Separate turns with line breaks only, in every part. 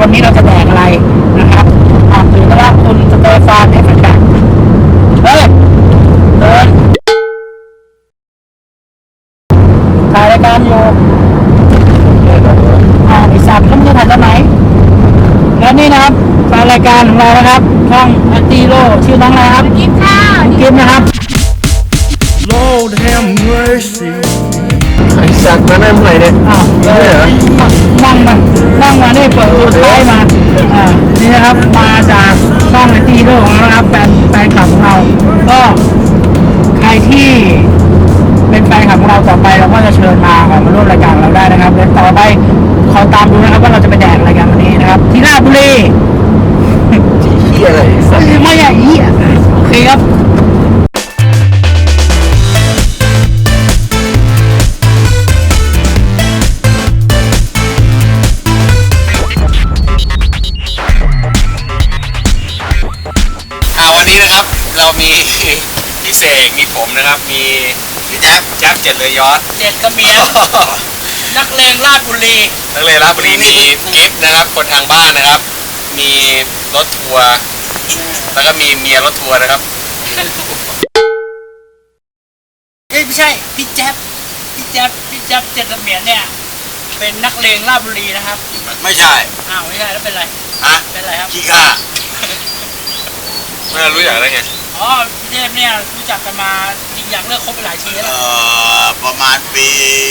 วันนี้เราจะแดกอะไรนะครับถือว่าคุณสเตฟานให้สังกัดเฮ้ยเดินถ่ายรายการอยู่ไอสัตว์ก็ไม่ถ่ายได้ไหมแล้วนี่นะครับแฟนรายการของเรานะครับช่องอันตีโลชื่อน้องอะไรครับกิฟต์ค่ะกิฟต์นะครับ
Lord have mercy ไอ้สัตว์มาได้เมื่อไหร่เนี่ย
อ้าวนั่งมานี่เปิดตัวท้ายมานี่นะครับมาจากช่องไอตีโลของเรานะครับแฟนคลับของเราก็ใครที่เป็นแฟนคลับของเราต่อไปเราก็จะเชิญมาร่วมรายการเราได้นะครับเดี๋ยวต่อไปขอตามดูนะครับว่าเราจะไปแดกอะไรกันวันนี้นะครับที่ราชบุรี
เหี้ยอะไรสัตว์
ไม่ใช่เหี้ยโอเคครับ
วันนี้นะครับเรามีพี่เสกมีผมนะครับมีพี่แจ๊บเจ็ดเลยยอด
เจ็ดกระเมียนนักเลงราชบุรี
มีกิฟต์นะครับคนทางบ้านนะครับมีรถทัวร์แล้วก็มีเมียรถทัวร์นะครับ
ไม่ใช่พี่แจ๊บเจ็ดกระเมียนเนี่ยเป็นนักเลงราชบุรีนะครับ
ไม่ใช่
อ้าวไม่ใช่แล้วเป็นไรเป็นไรครับ
ขี้ข้าไม่รู้จักได้ไง
อ๋อพี่เทพเนี่ยรู้จักกันมาจริงอยากเลิกคบไปหลายทีแล้ว
ประมาณปี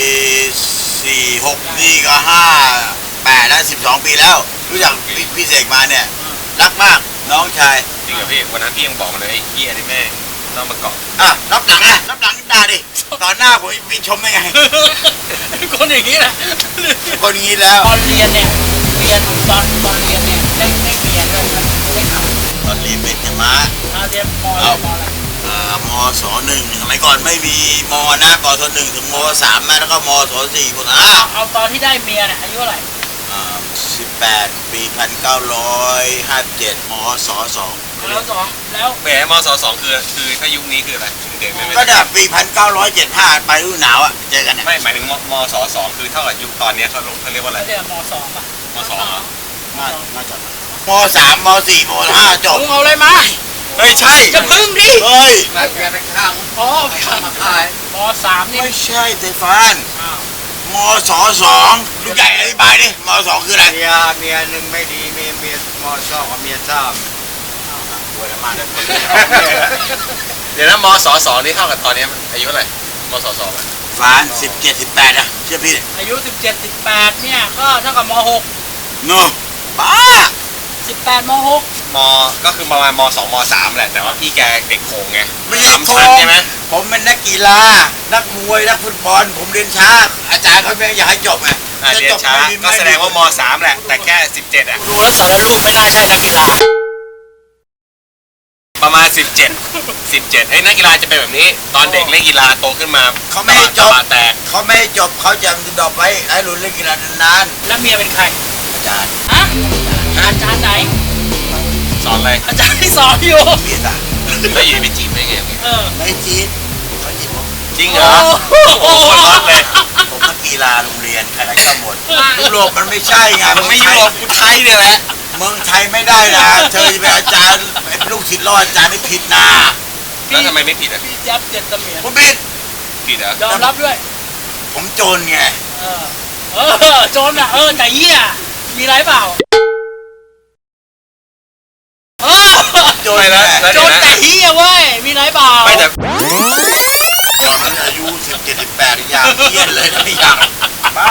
46นี่ก็58แล้ว12 ปีแล้วรู้จักพี่เสกมาเนี่ยรักมากน้องชายจริงเหรอพี่วันนั้นพี่ยังบอกมาเลยไอ้เหี้ยนี่แม่น้องมาเกาะรับหลังด่าดิตอนหน้าผมมีชมได้ไง
คนอย่างนี้แหละ
คนอย่างนี้แล้ว
ตอนเรียนเนี่ยตอนเรียนเนี่ยได้เรียนด้วยได้ข่าว
ตอนเรียนเป็นธรรมะ
เรียนม.อะไร
ม.ศ.1 สมัยก่อนไม่มีม.นะป.ศ.1 ถึงม.3 แล้วก็ม.ศ.4 ม.5
เอาตอนที่ได้เมียเนี่ยอายุเท่าไหร่
18 ปี 1957 มศ.2
แล้ว
แหมมศ.2 คือถ้ายุคนี้คืออะไรเด็กก็เนี่ยปี 1975 ไปฤดูหนาวอ่ะเจอกันไม่หมายถึงมศ.2 คือเท่ากับยุคตอนนี้เขาเรียกว่าอะไร
เรียกม.2 ป่ะ
ม.2 เหรอน่าจะม.3 ม.4 ม.5 จบ
เอาอะไรมา
เฮ้ยใช่
จะพึ่งดิ
เฮ้ยมาเปลี่ยนเป็นข้าง
มาขายม.3 นี่
ไม่ใช่เตฟานมศ.2ลูกใหญ่อธิบายดิมศ.คืออะไร
เมียหนึ่งไม่ดีเมียม.2กับเมีย3
ป่วยมาเลยเดี๋ยวนะมศ.2นี่เท่ากับตอนนี้อายุเท่าไหร่มศ.2ฟาน17 18นะเชื่อพี่
อายุ17 18เนี่ยก็เท่ากับม
.6 โน่บ้า
18 ม.6
ก็คือประมาณม.2 ม.3 แหละแต่ว่าพี่แกเด็กโขงไง
ไม่ใช่โขงใช่ไหมผมเป็นนักกีฬานักมวยนักฟุตบอลผมเรียนช้าอาจารย์เขาไม่อยากให้จบไง
เรียนช้าก็แสดงว่าม .3 แหละแต่แค่17อ่ะ
ดูแล้วสารรูปไม่น่าใช่นักกีฬา
ประมาณ17เฮ้ยนักกีฬาจะเป็นแบบนี้ตอนเด็กเล่นกีฬาโตขึ้นมา
เขาไม่จบเขาไม่จบเขาจะดรอปไว้ให้รุ่นเล่นกีฬานาน
แล้วเมียเป็นใคร
อาจารย์
อาจารย์ไหน
สอนอะไร
อาจารย์ที่สอนอยู่
เมียจ้ะ
ไม่อยู่ไปจีบได้ไง
ไม่จีบเขาจีบผม
จริงเหรอโอ้โหรักเลย
ผมนักกีฬาโรงเรียนใครได้เข้าหมดยุโรปมันไม่ใช่ไง
มันไม่ยุโรปกูไทยเนี่ยแหละ
เมืองไทยไม่ได้นะเธอจะเป็นอาจารย์เป็นลูกศิษย์รอดอาจารย์ไม่ผิดนะ
แล้วทำไมไม่ผิดอ่ะ
พี่แจ๊บเจ็ดเสมียน
ผมผิด
เหรอย
อมรับด้วย
ผมโจรไง
โจรอ่ะแต่เหี้ยมีไรเปล่า
โจรแล้ว
โจรแต่เหี้ยเว้ยมีไรเปล่า
ไม่แต่
อายุ17 18อย่างเหี้ยเลยนะอย่างบ้า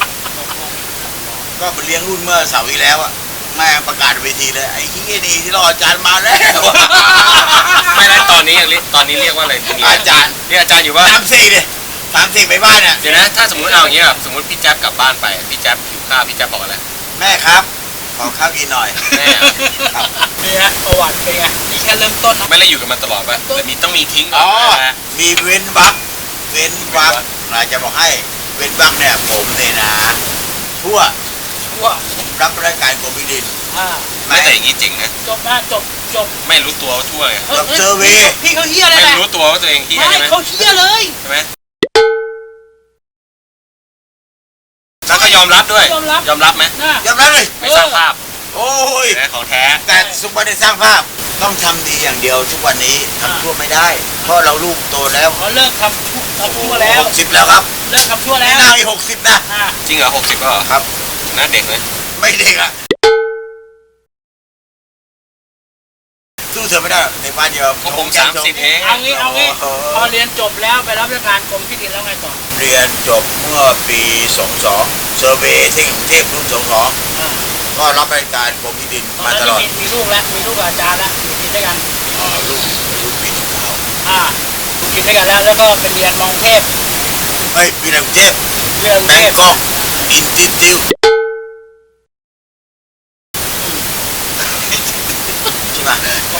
ก็ไปเลี้ยงรุ่นเมื่อเสาร์ที่แล้วอ่ะแม่ประกาศเวทีเลยไอ้ที่นี่ที่รออาจารย์มาแล้ว
ไม่แล้วตอนนี้เรียกว่าอะไร
อาจารย์
เรียกอาจารย์อยู่ว่า
34ดิ34ไปบ้านเนี่ย
เดี๋ยวนะถ้าสมมติเอาอย่างเงี้ยสมมติพี่แจ๊บกลับบ้านไปพี่แจ๊บหิวข้าวพี่แจ๊บบอกอะไร
แม่ครับขอข้าวกินหน่อย
แม่
เนี่ยประวัติเป็นไงนี่แค่เริ่มต้น
ไม่ได้อยู่กันมาตลอดป่ะแต่มีต้องมีทิ้ง
อ๋อมีเว้นวรรคนายจะบอกให้เว้นวรรคเนี่ยผมเนี่ยนะทั่วผมรับราชการกรมที่ดิน
ไม่แต่อย่างนี้จริงนะ
จบ
ไม่รู้ตัวทั่วไง
รับเซอร์เวย์
พี่เขาเฮี้ยอะไร
ไม่รู้ตัวว่าตัวเองเฮี้ยใช่ไหม
เขาเฮี้ยเลย
ใช่ไหมแล้วก็ยอมรับด้วยยอมรับไหม
ยอมรับเลย
ไม่สร้างภาพ
โอ้ย
ของแท้
แต่ซุปเปอร์ได้สร้างภาพต้องทำดีอย่างเดียวทุกวันนี้ทำชั่วไม่ได้ เพราะเราลูกโตแล้ว
เขาเลิกทำชั่วแล้ว
60แล้วครับ
เลิกทำชั่วแล้ว
นางอีก60นะ
อ่า
จริงเหรอ60ก็
ครับ
น่าเด็กเลย
ไม่เด็กอะสู้เธอไม่ได้หรอกในบ้านเดียว
ก็ผม30เอง
เอางี้พอเรียนจบแล้วไปรับราชการกรมที่ดินแล้วไงต่อ
เรียนจบเมื่อปี22เซอร์เวย์ที่กรุงเทพรุ่น22
อ่า
ก็รับราชการกรมที่ดิน
ตอน
มา
นั้น
ตลอด
มีลูกแล้วมีลูกกับอาจารย์แล้วอยู่กินด้วยกัน
ลูกปีที่เก้า
กินด้วยกันแล้วก็ไปเรียนมองเทพ
ไม่ปีในกรุงเทพ
เรียนกรุง
แบ
เท
ง
พ
กอกอินทิติวใช่ไหม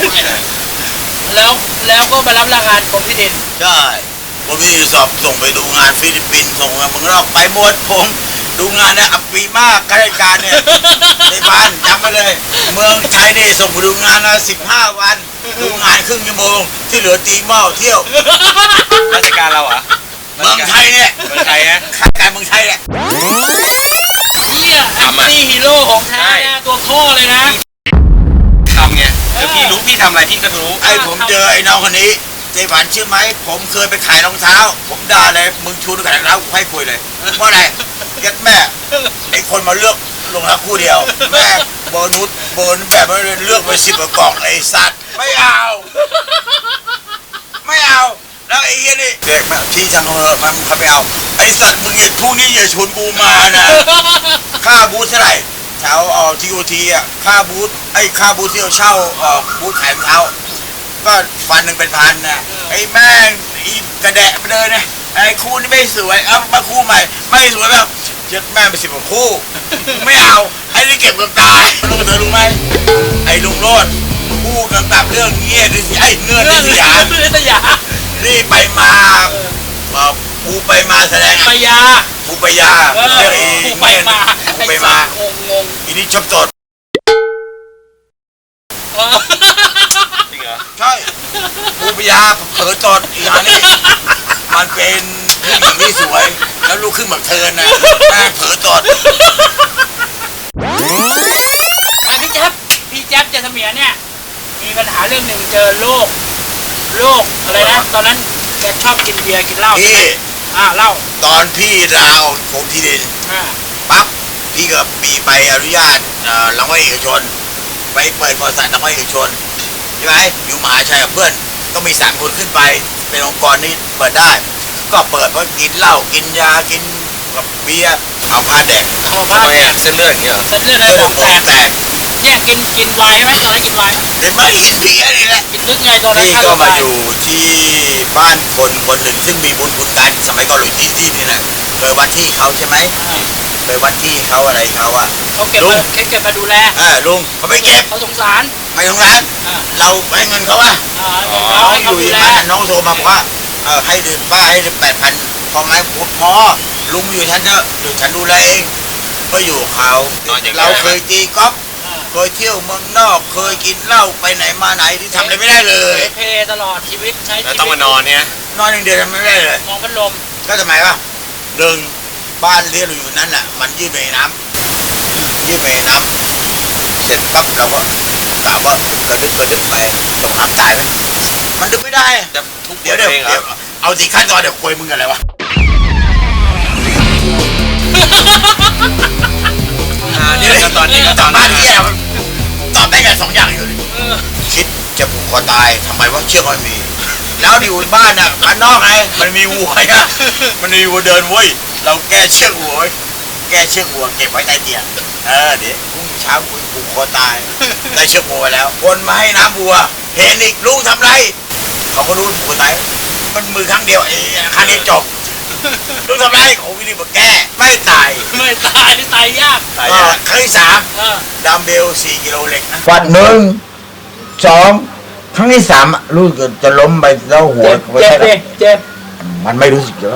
แล้วก็มารับราชการกรมที่ดิน
ใช่ผมมีสอบส่งไปดูงานฟิลิปปินส์ส่งมาเมืองนอกไปหมดผมดูงานเนี่ยอับปีมากข้าราชการเนี่ย ในบ้านจำไว้เลย เมืองไทยนี่ส่งไปดูงานละ15 วัน ดูงานครึ่งชั่วโมง ที่เหลือตีหม้อเที่ยว
ราชการเราเหรอ
เมืองไทยเนี่ย
เมืองไทยฮะ
ข้าราชการเมืองไทยเนี่ย
เนี่ย
ทำอะ
นี่ฮีโร่ของแท้นะตัวพ่อเลยนะ
ทำไงคือพี่รู้พี่ทำอะไรพี่ก็รู้
ไอ้ผมเจอไอ้น้องคนนี้เจหวันชื่อไหมผมเคยไปขายรองเท้า ผมด่าเลยมึงชูด้วยกันรองเท้ากูให้คุยเลยเพราะอะไรยัดแม่ไอ้คนมาเลือกรองเท้าคู่เดียวแม่เบอร์นุชเบอร์นแบบว่าเลือกไป10กว่ากล่องไอ้สัตว์ไม่เอาไม่เอาแล้วไอ้เหี้ยนี่เด็กแบบที่ทางเขามันเขาไปเอาไอ้สัตว์มึงอย่าคู่นี้อย่าชวนกูมานะค่าบูธเท่าไหร่เช้าทีโอทีอ่ะค่าบูธค่าบูธที่เราเช่าบูธขายรองเท้าก็1,000เป็นพันนะไอ้แม่งอีกระแดะไปเลยนะไอ้คู่นี้ไม่สวยเอามาคู่ใหม่ไม่สวยแบบเจ็ดแม่ไป10กว่าคู่ไม่เอาไอ้นี่เก็บกับตายลุงเธอรู้ไหมไอ้ลุงโรดผู้กำกับเรื่องเงี้ยดิสิไอ้เงื่อนดิสยาม
เรื่องสยาม
นี่ไปมาปูไปมาแสดง
ปยา
ปูไปยาเรื่องไอ้
ปูไปมา
ปูไปมา
งง
อีนี่ชอบตด
เออ
จริงเหรอ
ใช่ปูไปยาเผลอตดอีกอย่างนี้มันเป็นผู้หญิงที่สวย แล้วลูกครึ่งแบบเธอนะแม่งเผลอตด
พี่แจ๊บเจษเมียเนี่ยมีปัญหาเรื่องหนึ่งเจอโรคอะไรนะตอนนั้นแกชอบกินเบียร์กินเหล้า
พี่
เหล้า
ตอนพี่ดาวกรมที่ดิน ปั๊บพี่ก็มีใบอนุญาตรางวัลเอกชนไปเปิดบริษัทรางวัลเอกชนใช่ไหมอยู่มหาชัยกับเพื่อนต้องมี3 คนขึ้นไปเป็นองค์กรนี้เปิดได้ ก็เปิดเพราะกินเหล้ากินยากินเบียร์เอาผ้าแดก
เอา
ทำ
บ้า
ไมอ่ะเส้นเลือดอย่างเงี้ยเหรอ
เส้นเลือดใน
เพื่อ
สมอง
ผม
แตก
แตก
เนี่ยกินไวน์ไหมตอนนั้นกินไวน์
เห็นไหมกินเบียร์นี่แหละ
กินลึกไงตอนนั้น
พี่ก็มาอยู่ที่บ้านคนหนึ่งซึ่งมีบุญคุณกันสมัยก่อนเราอยู่ที่นี่นะเคยวัดที่เขาใช่ไหมเคยวัดที่เขาอะไรเขาอะ
เขาเก็บมาดูแล
ลุงเขาไม่เก็บ
เขาสงสาร
ไม่ต้องร้าน
อ่า
เราให้เงินเขาอะ
เขาให้
อ
เขา
ยู่
ดู
ที่
แล
บ้านน้องโทรมาบอกว่าให้เดือนป้าให้8,000พอไหมพอลุงอยู่ฉันจะเดี๋ยวฉันดูแลเองก็อยู่กับเขา
นอนอย่างเงี้ย
เราเคยตีกอล์ฟเคยเที่ยวเมืองนอกเคยกินเหล้าไปไหนมาไหนที่ทำอะไรไม่ได้เลย
เพตลอดชีวิตใช้ชี
แล้ว
วิต
ต้องมานอนเนี่ย
นอนอย่างเดียวทำไม่ได้เลย
มองพัดลม
ก็ทำไมวะหนึ่งบ้านที่เราอยู่นั้นน่ะมันยื่นไปในน้ำเสร็จปั๊บเราก็กะว่ากระดึบไปตกน้ำตายมันดึกไม่ได้
จะทุบ
เดี๋ยว
ตัวเองเหรอ
เอาสิขั้นตอนเดี๋ยวคุยมึงกันอะไรวะ
นี่ก็ตอนนี้ก็ตอน
บ้า
นั้น น
เนี่ยตอบได้แค่2 อย่างอยู่คิดจะผูกคอตายทำไมวะเชือกมันมี แล้วอยู่บ้านน่ะมันนอกไงมันมีวัวอ่ะมันมีวัวเดินเว้ยเราแก้เชือกวัวแก้เชือกวัวเก็บไว้ใต้เตียงเดี๋ยวพรุ่งนี้เช้าคุยผูกคอตายได้เชือกวัวไว้แล้วคนมาให้น้ำวัว เห็นอีกลุงทำไรเขาก็รู้ผูกคอตายมันมือครั้งเดียวครั้งนี้จบลุงทำไรเขาวิธีบอกแก้ไม่ตาย
ไม่ตายนี่ตายยาก
ตาย
ค
ยาก
รั้งที่3ดัมเบล4 กิโลเหล็กนะ
วัน1 2 ครั้งที่ 3รู้สึกจะล้มไปแล้วหัวไป
เจ็บ
ใช่
ดิเจ็บ
มันไม่รู้สึกแล้ว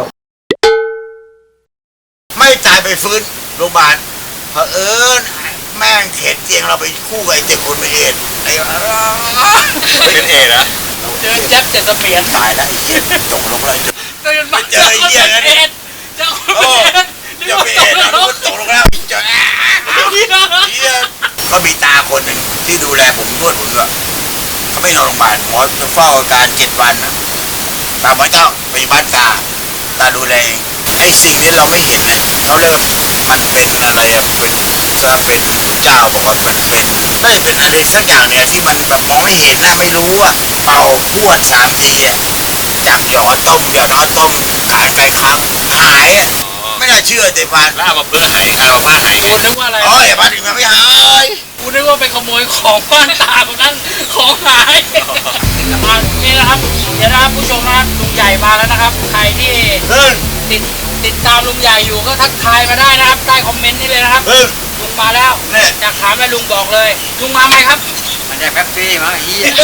ไม่ตายไปฟื้นโรงพยาบาลเผอิญแม่งเข็นเตียงเราไปคู่กับไอ้เจ็บคนไม่เอ็นไอ้
เป็นเอนะ
เจอแจ๊บเจษเมียน
ตายแล้วไอ้เหี้ยจกลงเลย
ไม่เจอไอ้เหี้ยนั่นเองเจ้าคนเอ็น
เดี๋ยวไปเอ็นแล้วมันตกลงแล้วเจอเหี้ยก็มีตาคนหนึ่งที่ดูแลผมนวดผมด้วยเขาไม่นอนโรงพยาบาลหมอเฝ้าอาการ7 วันนะตามมาเจ้าไปอยู่บ้านตาดูแลเองไอ้สิ่งที่เราไม่เห็นเนี่ยเขาเรียกว่ามันเป็นอะไรอะเป็นเป็นคุณเจ้าบอกว่ามันเป็นน่าจะเป็นอะไรสักอย่างเนี่ยที่มันแบบมองไม่เห็นนะไม่รู้อะเป่าพวด3 ทีอะจากหยอดต้มการไปครั้งหายอะไม่น่าเชื่อเจฟาน
แล้วเอามาเพื่อไหนเอามาผ้าไหน
กูนึกว่าอะไร
อ๋อเดี๋ยวมาถึงมันไม่หาย
กูนึกว่าไปขโมยของบ้านตาคนนั้นของหายมานี่นะครับเดี๋ยวนะครับผู้ชมนะลุงใหญ่มาแล้วนะครับ ใครที่
พึ่ง
ติดตามลุงใหญ่อยู่ก็ทักทายมาได้นะครับใต้คอมเมนต์นี่เลยนะครับ
พึ่ง
ลุงมาแล้ว
เนี่ย
อยากถามอะไรลุงบอกเลย ลุงมาไหมครับ
มันจะแป๊บซี่มั้งไอ้เหี้ย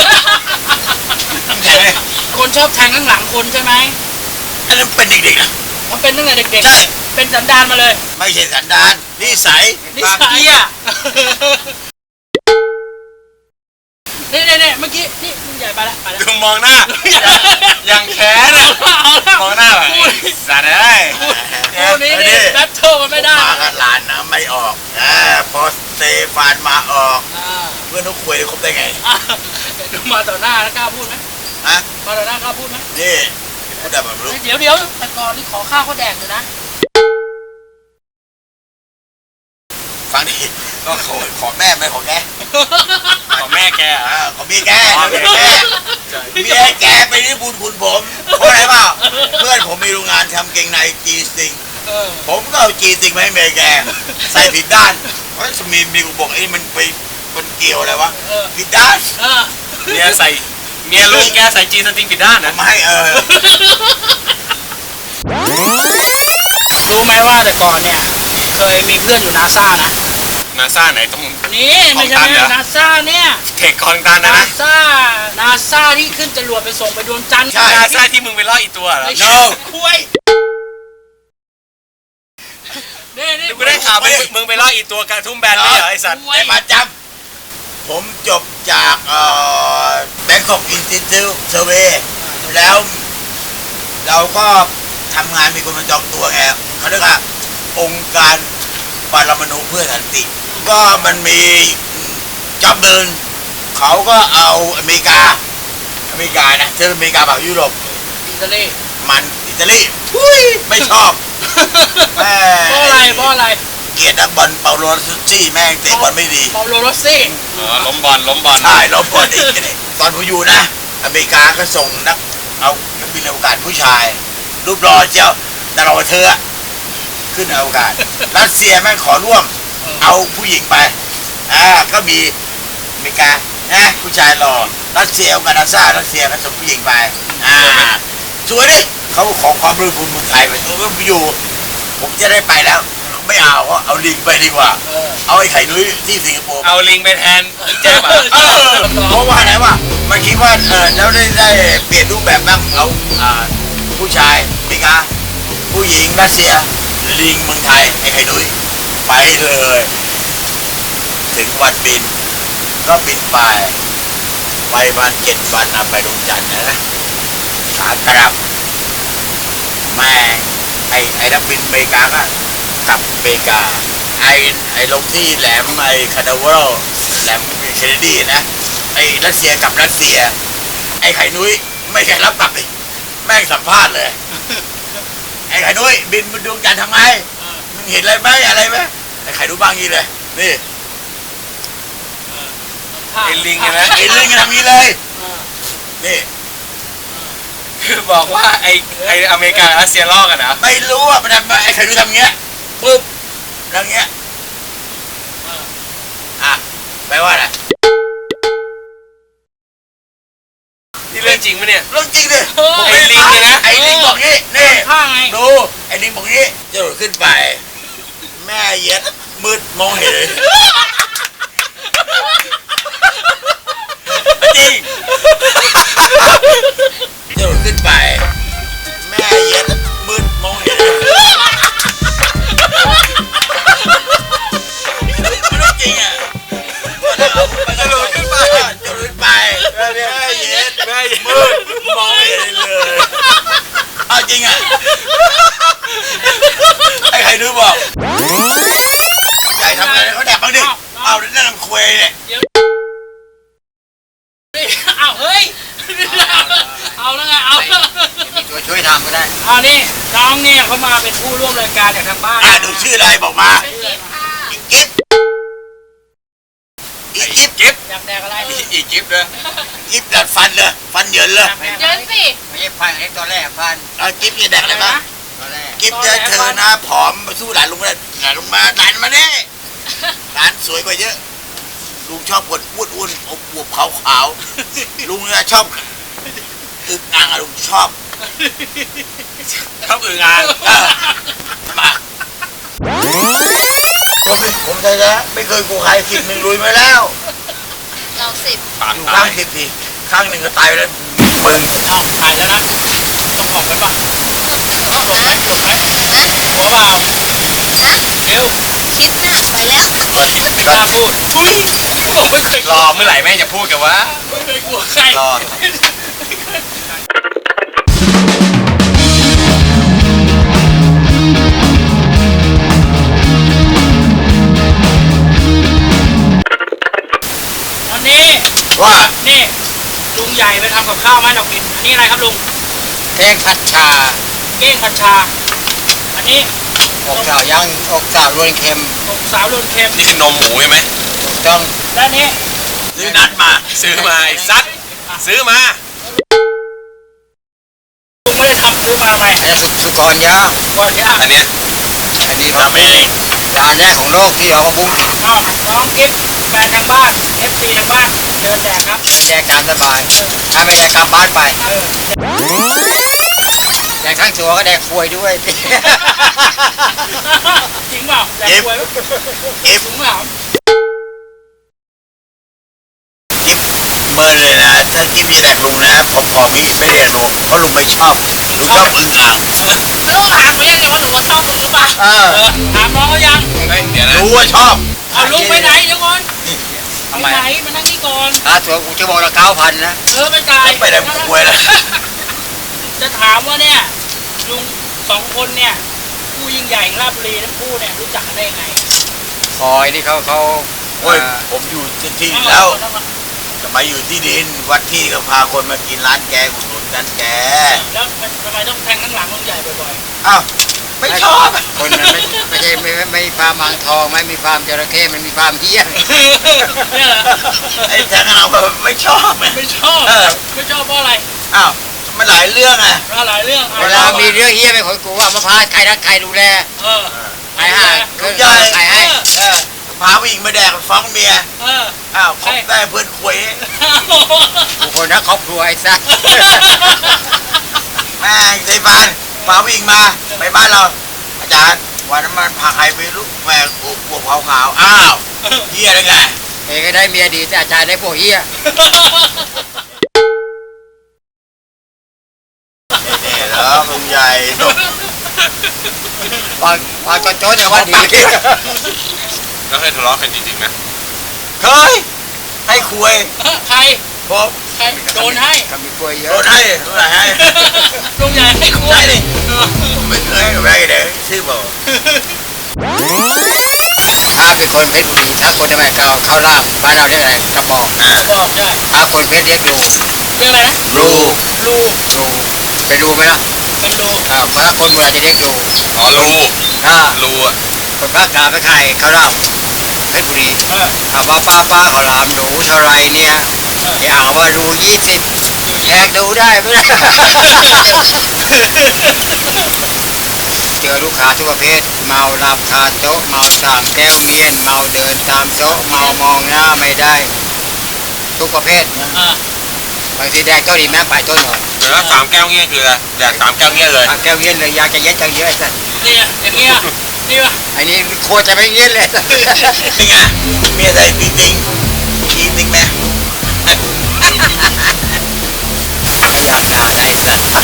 คนชอบแทงข้างหลังคนใช่ไหม
อันนั้นเป็นเด็กๆนะ
มันเป็นตั้งแต่เด็ก
ใช่
ๆ เป็นสันดานมาเลย
ไม่ใช่สันดานนิสัย
นิสัยอ่ะนี่เมื่อกี้นี่ลุงใหญ่ไปแล้ว
ดูมองหน้ายังแค้น
เอาแล้ว
มองหน้าแบบสัตว์เอ้ย
คู่นี้นี่แบทเทิลมันไม่ได้
มากับหลานนะไม่ออกพอสเตฟานมาออก
อ่า
เพื่อนทุกคุยคบได้ไง
ดูมาต่อหน้าแล้วกล้าพูดไหม
ฮะ
มาต่อหน้ากล้าพูดไหม
นี่พูดได้แบบรู้
เดี๋ยวแต่ก่อนนี่ขอข้าวเขาแดกอยู่นะ
ฟังดิก็ขอแม่ไม่ขอแก
ของแม่แกเหรอ
ขอเมียแก
อ๋อ
เมียแกเมียแกไปที่บุญคุณผมเพราะอะไรเปล่าเพื่อนผมมีโรงงานทำเกงในจีสติง
เออ
ผมก็เอาจีติงมาให้เมียแกใส่ผิดด้านเพราะสมีนมีกูบอกไอ้มันไปมันเกี่ยวอะไรวะผิดด้าน
เออ
เมียลุงแกใส่จีนสติงผิดด้านนะ
มาให้
รู้ไหมว่าแต่ก่อนเนี่ย เคยมีเพื่อนอยู่นาซานะ
นาซาไหนต้อง
นี่ไม่ใช่
ของตันเหรอ
นาซาเนี่ย
เทคคอนตันนะ
นาซาที่ขึ้นจรวดไปส่งไปดวงจันทร์
นาซาที่มึงไปล่ออีตัวเหรอ
ไม่ใช่คุยนี่
กูได้ข่าวมึงไปล่ออีตัวกระทุ่มแบนนี่เหรอไอสัตว์
ไอ้มาจำผมจบจากBangkok Institute Survey แล้วเราก็ทำงานมีคนมาจองตัวไงเขาเรียกว่าองค์การปรมาณูเพื่อสันติ ก็มันมีจ็อบหนึ่งเขาก็เอาอเมริกานะเจออเมริกาแบบยุโรป
อิตาลี
มันอิตาลีทุยไม่ชอบแม่
เพราะอะไร
เกลียดนักบอลเปาโลซุชี่แม่งเตะบอลไม่ดี
เปาโลโรซี่
อ๋อล้มบอล
ใช่ล้มบอลอีกตอนผมอยู่นะ อเมริกาก็ส่งเอานักบินอวกาศผู้ชาย รูปหล่อเจ้าแต่เราเธอขึ้นอวกาศรัสเซียแม่งขอร่วม เอาผู้หญิงไปก็มีอเมริกาผู้ชายหล่อรัสเซียเอากับนาซารัสเซียก็ส่งผู้หญิงไปสวยดิเขาขอความร่วมมือเมืองไทยไปตัวก็อยู่ ผมจะได้ไปแล้ว ไม่เอาลิงไปดีกว่า เอาไอ้ไข่นุ้ยที่สิงคโปร์
เอาลิงไปแทนแจ๊บ
เพราะว่าไหนวะมันคิดว่าแล้วได้เปลี่ยนรูปแบบบ้างเอาผู้ชายอเมริกาผู้หญิงรัสเซียลิงเมืองไทยไอ้ไข่นุ้ยไปเลย ถึงวันบิน ก็บินไปวัน7 วันนะไปดวงจันทร์นะขากลับแม่งไอ้นักบินอเมริกาก็กลับอเมริกาไอ้ลงที่แหลมไอ้คาร์ดาวลแหลมเคนเนดีนะไอ้รัสเซียกับรัสเซียไอ้ไข่นุ้ยไม่แข่รับกลับเลยแม่งสัมภาษณ์เลยไอ้ไข่นุ้ยบินบนดวงจันทร์ทำไงมึงเห็นอะไรไหมไอ้ไข่นุ้ยบางงี้เลยนี่
ไอ้ลิงนะ
ไอ้ลิงทำงี้เลยนี่
คือบอกว่าไอ้อเมริการัสเซียลอกกันนะ
ไม่รู้ว่ามันทำไอ้ไข่นุ้ยทำเงี้ยปุ๊บแล้วเงี้ยแปลว่าอะไร
นี่เรื่องจริงปะเนี่ย
เรื่องจริงดิ
ไอ้ลิงเนี่ยนะ
ไอ้ลิงบอกงี้นี่
ข้างไง
ดูไอ้ลิงบอกงี้จะโดดขึ้นไป แม่เย็ดมืดมองเห็นเลยจริงจะโดดขึ้นไป แม่เย็ดมืดมองเห็นเลยมันเรื่องจริงอ่ะมันจะโดดขึ้นไปแม่เย็ดมืดมองไม่เห็นเลยเอาจริงอ่ะไอ้ใครดูบอกใหญ่ทำอะไรเขาแดกบ้างดิเอาแนะนำคุคุยเนี่ย
อ้าวเฮ้ยเอาแล้วไงเอาแล้ว
ช่วยทำก็ได้
เอานี่น้องเนี่ยเขามาเป็นผู้ร่วมรายการจากทางบ้าน
ดูชื่ออะไรบอกมาอีกิฟอีกิฟ
อยากแดกอะไร
อีกิฟต์เลย
กิฟดัดฟันเลยฟันเหยินเลย
เดินสิ
ไม่ใช่พันตอนแรกพัน
กิฟจะแดกอะไรบ้าง
ตอนแรก
กิฟจะเธอนะผอมมาสู้หลานลุงไม่ได้หลานลุงมาหลานมาเนี่ยหลานสวยกว่าเยอะลุงชอบคนอ้วนอวบขาวลุงเนี่ยชอบอึกอ่างอะลุงชอบ
ชอบอึ่งอ่าง
มาผมใจแล้วไม่เคยกูใคร10มึงลุยมาแล้ว
เรา10
อยู่ข้าง10ทีข้างหนึ่งก็ตายไปแล้วมึง
เอาถ่ายแล้วนะต้องออกกันป่ะ
ออกนะ
จบไหมหัวเปล่าเร็ว
คิดหนักไปแล้ว
กล้าพูดอุ้ยผมไม่เคย
รอเมื่อไหร่แม่จะพูดกันวะ
ไม่เคยกลัวใคร
รอ
ตอนนี้
ว่า
นี่ลุงใหญ่ไปทำกับข้าวให้เรากินอันนี้อะไรครับลุง
แกงผัดชา
เก้งผัดชา อันนี้
อกสาวย่างอกสาวรวนเค็ม
อกสาวโรนเค็ม
นี่นมหมูใช่ไหม
ถูกต้อง
และอันนี้
ซื้อนัดมา
ซื้อมาไอ้ซัดซื้อมา
ลุงไม่ได้ทำซื้อมาใหม่
อันนี้สุกรย่าง
ก่อนย่าง
อันเนี้ย
อันนี้
ทำเอง
ร้านแรกของโลกที่ออกมาบุ้ง
อ้าวน้องกิ๊ฟแฟนทางบ้าน FC ทางบ้านเชิญแจกครับ
แจกตามสบายถ้าไม่อยากกลับบ้านไป
เออ
แจกข้างตัวก็แดกควยด้วย
จริงเปล่าแจกหวยไหม
เอฟ
ลุงเปล่า
เบิร์เลยนะถ้ากิฟมีแดกลุงนะผมขอมีไม่ได้แดกลุงเพราะลุงไม่ชอบลุงชอบอึ่งอ่าง
ลูกถามหนูยังไงว่าหนูว่าชอบหนูหรือเปล่า
เออ
เออถามน้องเขายัง
เฮ้ยเดี๋ยวนะ
รู้ว่าชอบ
เอาลุงไปไหนเดี๋ยวก่อน
ทำ
ไป
ไม
ไหนมานั่งนี่ก่อน
ค่าตัวกูจะบอกละ9,000นะ
เออไปจ่าย
ไปแดกควยแล้ว
จะถามว่าเนี่ยลุง2 คนเนี่ยผู้ยิ่งใหญ่ราชบุรีทั้งคู่เนี่ยรู้จักกันได้ยังไง
คอยที่เขา
โอ้ยผมอยู่ที่แล้วจะมาอยู่ที่ดินวัดที่ก็พาคนมากินร้านแกอุดหนุนกันแก
แล้วทำไมต้องแทงข้างหลังลุงใหญ่บ่อย
อ้าวไม่ชอบ
คนมันไม่ใช่ไม่มีฟาร์มอ่างทองไม่มีฟาร์มจระเข้มันมีฟาร์มเหี้ย
ๆเนี่ยเหรอ
ไอ้แทงเราแบบไม่ชอบไง
ไม่ชอบ
เออ
ไม่ชอบเพราะอะไร
อ้าวมันหลายเรื่องอ่ะ
เพราะหลายเรื่อง
เวลามีเรื่องเหี้ยไม่ขอยกูว่ามาพาใครรักใครดูแล
เออ
ใครให้คือ
ใหญ่
ใครให้
เออพาผู้หญิงมาแดกฟ้องเมีย
เออ
อ้าวเขาได้เพื่อนคุย
กูคนรักครอบครัวไอ้สัส
แม่งใจบานพาผู้หญิงมาไปบ้านเรา อาจารย์วันนั้นมันพาใครไปลูกแม่กูปวดขาวๆอ้าวเฮียได้ไง
เองก็ได้เมียดีแต่อาจารย์ได้พวกเหี้ย
เนี่ยเหรอลุงใหญ่ตก
ปากจนๆแต่ว่าดี
แล้วเคยทะเลาะกันจริงๆนะ
เคยให้คุย
ใคร
ผม
ใครโดนให้
ก็มีกล้วยเย
โด
อะ
นให้เท่าไหร่ให้
ลุงใหญ่ให้คุ
ใช่
ย
ดิผมไม่เคยแม่งเดี๋ยวชื่อบอก
ถ้าเป็นคนเพชรบุรีถ้าคนทำไมเข้าล่างบ้านเราเรียกอะไรกระบอก
บอกได้
ถ้าคนเพชรเรียกดู
เรียกอะไรนะ
รู
ลู
ดูไปดูไหมล่ะ
เป็นลู
ถ้าคนเมืองจะเรียกดู
อ๋อรู
ถ้า
รูอ่ะ
คนภาคกลางไปใครเข้าล่างเพชรบุรี
เออ
ถามว่าป้าเขาลามหนูเท่าไรเนี่ยอยากว่ารู20แยกดูได้ไหมล่ะ เจอลูกค้าทุกประเภทเมาหลับคาโต๊ะเมาสั่งแก้วเมียนเมาเดินตามโต๊ะเมามองหน้าไม่ได้ ทุกประเภท
อ่า
บางทีแดกโต๊ะดีแม่ไปโต๊ะหน่อย
แล้ว3 แก้วเงี้ยคืออะไรแดก3 แก้วเงี้ยเลย
เอาแก้วเย็นเลยอยากจะเย็นจังเยอะไอ้สัส
เนี่ยอย่างเงี้ยนี่วะ
ไอ้นี่โคตรจะไม่เย็นเลย
นี่ไงเมียได้ติ๊งติ๊งยิงติ๊งไหมอยากด่าได้สัตว์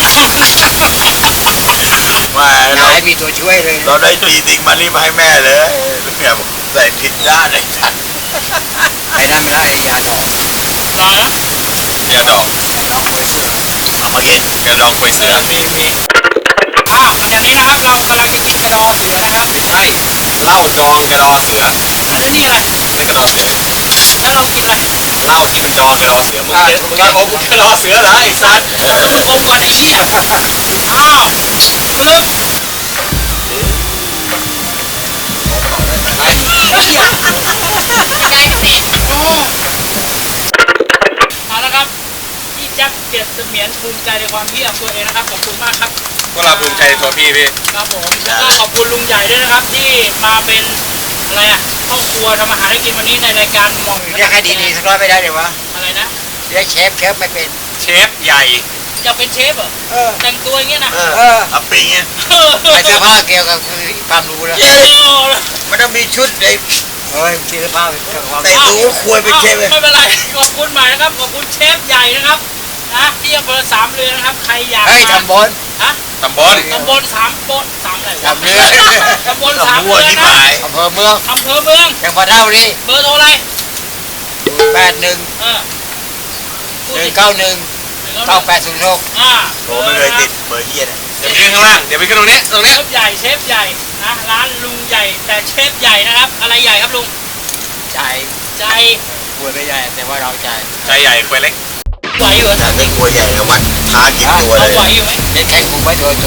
ว่า
อยากให้มีตัวช่วยเลย
เราได้ตีติ๊งมารีบให้แม่เลยเนี่ยบอกใส่ผิดด้านเลยสัตว์
ไอ้นั่นไม่ได้ยาดอก
ลองนะ
อย่าดอก
ดอกกล้วยเสือ
เอามากิน
อย่าดอกกล้วยเสือ
มีอ้าวขณะนี้นะครับเรากำลังจะกินกระดอเสือนะครับ
ใช่เหล้าดองกระดอเสือ
แล้วนี่อะไร
ไม่กระดอเสือ
แล้วเรากินอะไร
เหล้าที่มันจะรอเสือเสือมึงเนี่ยมึงจะรอเสือเหรอไอ้สัตว์
มึงอมก่อนไอ้เหี้ยอ้าวปึ๊บไอ้เหี้ย
ใกล้เสร็จ
เอาละครับพี่แจ็คเกียรติเสมียนภูมิใจในความเพียรตัวเองนะครับขอบคุณมากครับ
พวกเราภูมิใจในตัวพี่พี่
ครับผมแล้วก็ขอบคุณลุงใหญ่ด้วยนะครับ ที่มาเป็นอะไรอะครอบครัวทำอาหารให้กินวันนี้ในรายการมอง
เรียกให้ดีๆสักร้อยไม่ได้เลยวะ
อะไรนะ
เรียกเชฟไม่เป็น
เชฟใหญ่
อยากเป็นเชฟเหรอแต่งตัวอย่างเงี้ยนะ
เอาปิงเนี่ยใส่เสื้อผ้าเกี่ยวกับความรู้แล้ว
มันต้องมีชุดไอ้
เฮ้ยเสื้อผ้าเกี่ยวกับความ
แต่รู้ว่าควรเป็นเชฟเลย
ไม่เป็นไรขอบคุณใหม่นะครับขอบคุณเชฟใหญ่นะครับนะที่อำเภอสามเรือนนะครับใครอยาก
เฮ้ย
มา
ทำบอล
ฮะ
ตำบล
ตำบลสามโบนสามอะไรวะ
ทำเรือ
ตำบลสาม
มั่ว
เรือน
ที่
นะ
หาย
อำเภอเมือง
อำเภอเมือง
จังหวัดเท่านี้
เบอร์โทรอะไร
81
เออพูดสิ
191 9806
โทรไม่เคยติดเบอร์เฮียเนี่ย
เดี๋ยวไปขึ้นข้างล่างเดี๋ยวไปขึ้นตรงนี้ตรง
เช
นี้
ฟใหญ่เชฟใหญ่นะร้านลุงใหญ่แต่เชฟใหญ่นะครับ อะไรใหญ่ครับลุง
ใจ
ใจ
ป่วยไม่ใหญ่แต่ว่าเราใจ
ใจใหญ่ควยเล็ก
ไหวอยู่เหรอ
ถ้าเป็นกลัวใหญ่ก็มัดท้ากินตัวเล
เอา
ย
ไหวอยู่ไหม
เด็กไข่ปูไม่ตัว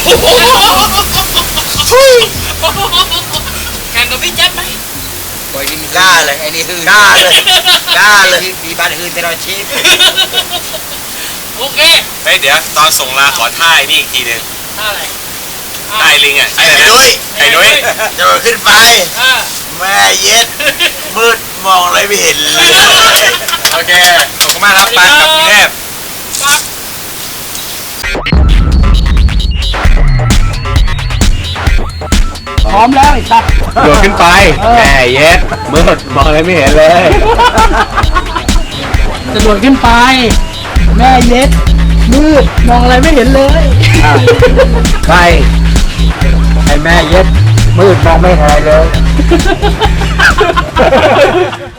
แข่งกับพี่แจ๊คไหม
ป่วยนี่มี
กล้าเลย
ไอ้นี่ฮือก
ล้าเลยกล้าเลย
มีบ้านฮือแต่เราชีพ
โอเค
เฮ้ยเดี๋ยวตอนส่งลาขอท่าไอ้นี่อีกทีหนึง
ท่าอะไร
ท่าไอ้ลิงอ่ะ
ไอ้นุ้ย
ไอ้นุ้ย
จะมาขึ้นไป
อ่า
แม่เย็ดมืดมองอะไรไม่เห็นเลย
โอเคขอบคุณมากครับไปกลับกรุงเทพ
ปั๊บ พร้อมแล้วไอ้สัตว์
โดดขึ้นไปแหมเย็ดมืดมองอะไรไม่เห็นเลย
จะโดดขึ้นไป แม่เย็ดมืดมองอะไรไม่เห็นเลย
ใครไอ้แม่เย็ดมืดมองไม่เห็นอะไรเลย